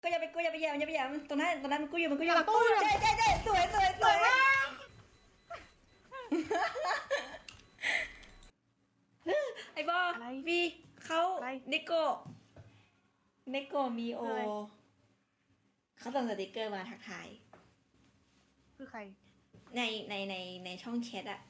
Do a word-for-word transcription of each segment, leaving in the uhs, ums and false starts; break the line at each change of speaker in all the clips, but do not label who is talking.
ก็อย่าไปกูอย่าไปแย่มอย่าไปแย่มตรงนั้นตรงนั้นมันกูอยู่มันกูอยู่
หลังตู้อยู่
ใช่ใช่ใช่สวยสวยสวยไอ้บอ
อะไร
วีเขา
อะไร
เนโกเนโกมีโอ
อะไร
เขาส่งสติกเกอร์มาทักทาย
คือใคร
ในในในในช่องแชทอะ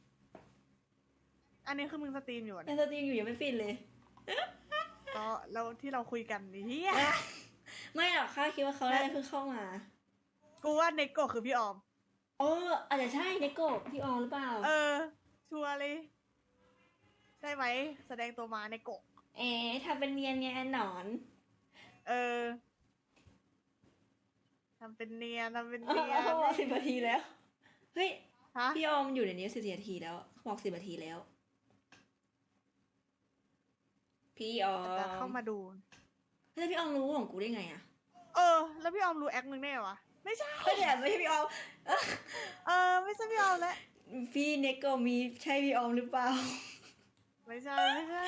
อันนี้คือมึงสตรีมอยู่
ใน
นะ
สตรีมอยู่ยังไม่ฟินเลย
อ๋อแล้วที่เราคุยกันนี่เฮีย
ไม่หรอกข้าคิดว่าเขาน่าจะเพิ่งเข้ามา
กูว่าเนโกะคือพี่ออม
เอออาจจะใช่เนโกพี่ออมหรือเปล่า
เออ ชัวร์เลยใช่ไหมแสดงตัวมาเนโกะ
เอ๊ะทำเป็นเนียนไงหนอน
เออทำเป็นเนียนทำเป็น
โอ้
เนียน
โหสิบนาทีแล้ว เฮ้ย
ฮะ
พี่ออมอยู่ในนี้สิบนาทีแล้วบอกสิบนาทีแล้ว พี่ออม
จะเข้ามาดู
แล้วพี่ออมรู้ของกูได้ไงอะ
เออ แล้วพี่ออมรู้แอคมึงได้เหรอวะไม่ใช่
ไม่ใช่ไม่ใช่พี่ออม
เออ ไม่ใช่พี่ออมแล้ว
พี่เนโกมีใช่พี่ออมหรือเปล่า
ไม่ใช่ไม่ใช่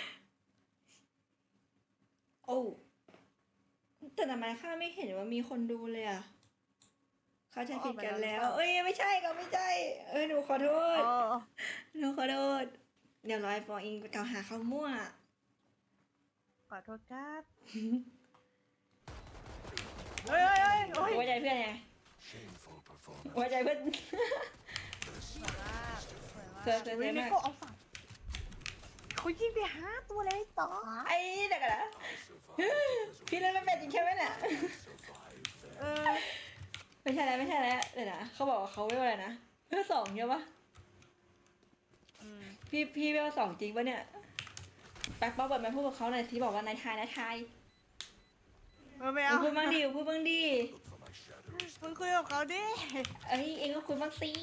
โอ้แต่ทำไมข้าไม่เห็นว่ามีคนดูเลยอะเข้าใจผิดกันแล้ว เอ้ยไม่ใช่ก็ไม่ใช่ เออหนูขอโทษ
อ๋อ
หนูขอโทษ เดี๋ยวรอยฟออิงไปกล่าวหาเขามั่ว
ขอโทษครับเฮ้ยเฮ้ยเฮ้ยโอ้ย
ไว้ใจเพื่อนไง
Shameful performance.
ไว้ใจเพื่อน
สวยมากสวยมาก
เธอเธอ
ฮ้ย
เธอ
เนโกะเอาฝั่งเขายิงไปห้าตัวเลยต่อ
ไอ้เด็กอะนะพี่เล่นไม่เป็นจริงใช่ไหมเนี่ย
เออ
ไม่ใช่แล้วไม่ใช่แล้วเดี๋ยวนะเขาบอกว่าเขาเวลอะไรนะเวลสองใช่ปะ
อืม
พี่พี่เวลสองจริงปะเนี่ยแป๊กป๊อกเปิดมาพูดกับเขาหน่อยที่บอกว่านายทายนายทาย
เออไม่
มึ
เอา
งพูดบ้างดิพูดบ้างดิ
For my shadows.
มึงคุยกับเขาดิ
เอ้ยเองก็คุยบ้างสิ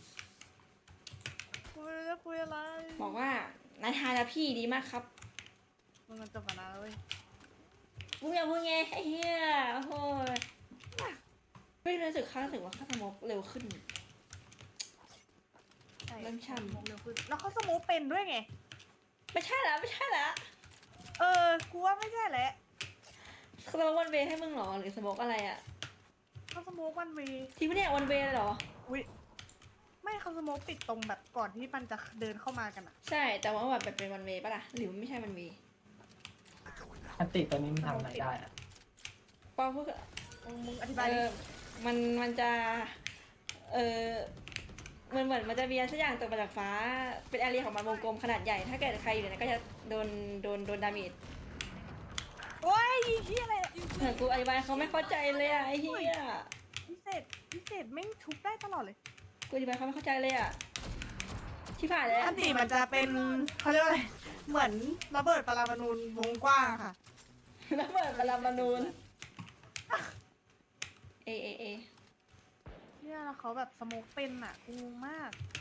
กูไม่รู้จะคุยอะไร
บอกว่านายทายแล้วพี่ดีมากครับ
มึงมันจบกันนะเว้ย
มึงอย่าพูดไงไอ้เหี้ยโอ้โหไม่รู้สึกข้ารู้สึกว่าข้าสมองเร็วขึ้น
ใช่
เริ่มช่ำ
สโมกเร็วขึ้นแล้วเขาสโมกเป็นด้วยไง
ไม่ใช่แล้วไม่ใช่แล้ว
เออ กูว่าไม่ใช่แหละ
สโมกวันเวย์ให้มึงเหรอหรือสโมกอะไรอะ
เขาสโมกวันเวย์
ที่ไม่เนี่ยวันเวย์เลยเหรอ
อุ้ยไม่เขาสโมกติดตรงแบบก่อนที่มันจะเดินเข้ามากันอะ
ใช่แต่ว่าแบบเป็นวันเวย์ปะล่ะหรือมันไม่ใช่วันเวย์
อันติตัวนี้มันทำอะไรได้อะ
ปอพูด
มึงมึงอธิ
เอบ
ายดิ
อมันมันจะเออเหมือนเหมือนมันจะมีอะไรสักอย่างตกมาจากฟ้าเป็นแอเรียของมันวงกลมขนาดใหญ่ ถ้าเกิดใครอยู่ในนั้นก็จะโดนโดนโดนดาเมจ
โอ้ยเฮียอะไรเนี่ย
เหมือนกูอธิบายเขาไม่เข้าใจเลยอะไอ้เหี้ย
พิเศษพิเศษแม่งชุบได้ตลอดเลย
กูอธิบายเขาไม่เข้าใจเลยอะที่ผ่านเลย
อันติมันจะเป็นเขาเรียกว่าอะไรเหมือนระเบิดปรมาณูวงกว้างอะค่ะ
แล้วเปิดบาลามานูนเอเอเอ
เนี่ยแล้วเขาแบบสโมกเป็นอะกูงงมาก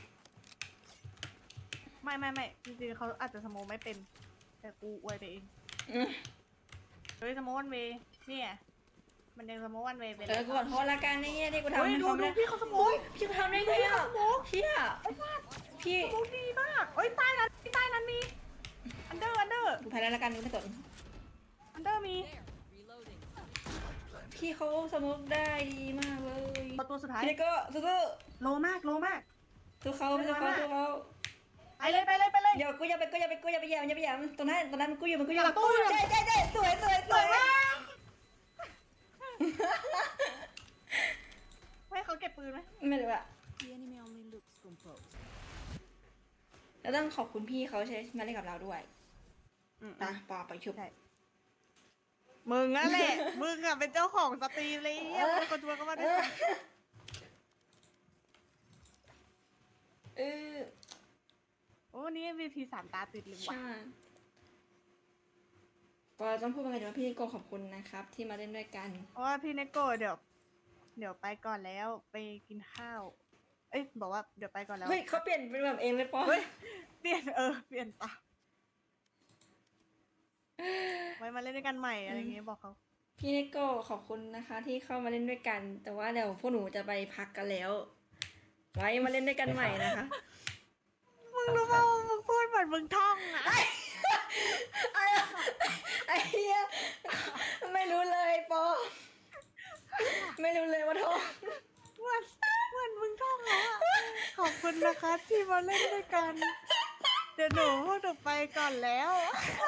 ไม่ไม่ไม่จริงๆเขาอาจจะสโมกไม่เป็น แต่กูอวยไปเอง
อืม
เฮ้ยสโมกวันเวย์เนี่ยมันยังสโมกวันเวย์ไป
เออกูขอโทษละกันไอ้เหี้ยที่กูทำ
เฮ้ย
ให้
ดู
เขา
ดู
ไม่ได้
พี่เขาสโม
โอ้
ก
ยพี่กูทำได้ไงอะเชี่ยพี่
สโมกดีมากเอ้ยใต้นั้นใต้นั้นมีอันเดอร์อันเดอร์
กูแพ้แล้วละกันกูไม่สน
อันเดอร์มี
พี่เขาสมุกได้ดีมากเลย
ประตูสุดท้าย
พี่เล็กก็สู้
โลมากโลมาก
ๆสู้เขาสู้เขาสู้เขา
ไปเลยไปเลยไปเลย
เดี๋ยวกูอย่าไปกูอย่าไปกูอย่าไปแย่มอย่าไปแย่มตรงนั้นตรงนั้นกูอยู่มันกูอยู่
หลังตู้อยู่
ใช่ใช่ใช่สวยสวยสวย
ให้เขาเก็บปืนไหม
ไม่รู้อะ
The enemy only looks composed.
แล้วต้องขอบคุณพี่เขาใช่มาเล่นกับเราด้วยตาปอไปชุบ
ใช่มึงนั่นแหละ มึงอะเป็นเจ้าของสตรีมเลยเหี้ยมึงคนชวนเข้ามาด้วยซ้
เออ
ำโอ้วันนี้ เอ็ม วี พี สามตาติดเลยว่ะ
ใช่ปอต้องพูดว่าไงดีว่าพี่โกขอบคุณนะครับ ที่มาเล่นด้วยกัน
เพราะว่าพี่เนโก้เดี๋ยว เดี๋ยวไปก่อนแล้วไปกินข้าว เอ้ยบอกว่าเดี๋ยวไปก่อนแล้ว
เฮ้ยเขาเปลี่ยนเป็นแบบเองเลยปอ
เฮ้ยเปลี่ยนเออเปลี่ยนตามไว้มาเล่นด้วยกันใหม่อะไรอย่างเงี้ยบอกเขา
พี่เนโก้ขอบคุณนะคะ ที่เข้ามาเล่นด้วยกัน แต่ว่าเดี๋ยวพวกหนูจะไปพักกันแล้ว ไว้มาเล่นด้วยกันใหม่นะคะ
มึงรู้ป่าวมึงพูดเหมือนมึงท่องอะ
ไอ้เหี้ยไม่รู้เลยปอไม่รู้เลยว่าท้อง
วันวันมึงท่องแล้วอ่ะ ขอบคุณนะคะที่มาเล่นด้วยกัน เดี๋ยวหนูพวกหนูไปก่อนแล้ว
โ